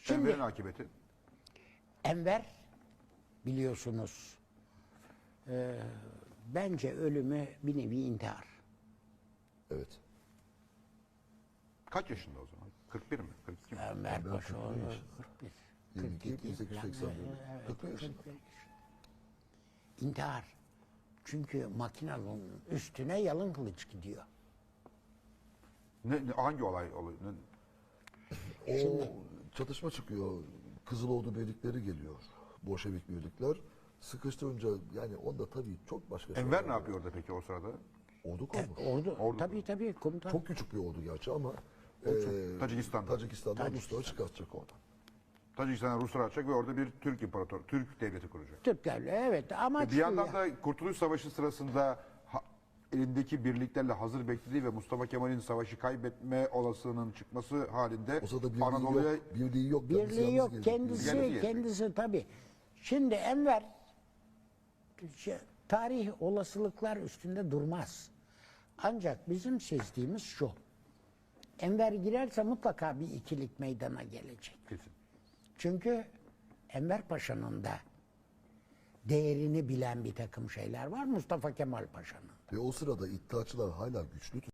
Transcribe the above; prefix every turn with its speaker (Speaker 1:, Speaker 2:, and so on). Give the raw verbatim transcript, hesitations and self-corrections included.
Speaker 1: Şimdi
Speaker 2: Enver'in akıbeti.
Speaker 1: Enver biliyorsunuz e, bence ölümü bir nevi intihar.
Speaker 3: Evet.
Speaker 2: Kaç yaşında o zaman? kırk bir mi? kırk iki mi?
Speaker 1: Enver
Speaker 3: Ben
Speaker 1: Paşa
Speaker 3: kırk bir yaşında.
Speaker 1: kırk bir.
Speaker 3: yirmi iki,
Speaker 1: kırk iki
Speaker 3: bin sekiz yüz seksen bir.
Speaker 1: falan. Evet,
Speaker 3: kırk bir yaşında.
Speaker 1: kırk bir yaşında. İntihar. Çünkü makinanın üstüne yalın kılıç gidiyor.
Speaker 2: Ne, ne- hangi olay oluyor? Ne-
Speaker 3: O çatışma çıkıyor. Kızıloğlu birlikleri geliyor. Bolşevik birlikler. Sıkıştırınca yani onda tabii çok başka şeyler
Speaker 2: Enver ne
Speaker 3: var.
Speaker 2: yapıyor orada peki o sırada?
Speaker 3: Ordu kurmuş.
Speaker 1: Ordu,
Speaker 2: Ordu.
Speaker 1: tabii tabii komutan.
Speaker 3: Çok küçük bir ordu gerçi ama eee
Speaker 2: Tacikistan'da.
Speaker 3: Tacikistan'dan Rusları çıkartacak oradan.
Speaker 2: Tacikistan'a Ruslar atacak ve orada bir Türk imparator, Türk devleti kuracak.
Speaker 1: Türklerle evet ama
Speaker 2: Bir yandan da Kurtuluş Savaşı sırasında ha- elindeki birliklerle hazır beklediği ve Mustafa Kemal'in savaşı kaybetme olasılığının çıkması halinde
Speaker 3: O sırada birliği
Speaker 2: Anadolu'ya
Speaker 3: yok. Birliği yok. Kendisi
Speaker 1: birliği
Speaker 3: yalnız
Speaker 1: yok.
Speaker 3: gelecek.
Speaker 1: Kendisi
Speaker 2: Yalnız gelecek.
Speaker 1: kendisi tabii. Şimdi Enver şey, tarih olasılıklar üstünde durmaz. Ancak bizim sezdiğimiz şu. Enver girerse mutlaka bir ikilik meydana gelecek.
Speaker 2: kesin.
Speaker 1: Çünkü Enver Paşa'nın da değerini bilen bir takım şeyler var. Mustafa Kemal Paşa'nın.
Speaker 3: Ve o sırada iddiaçılar hala güçlü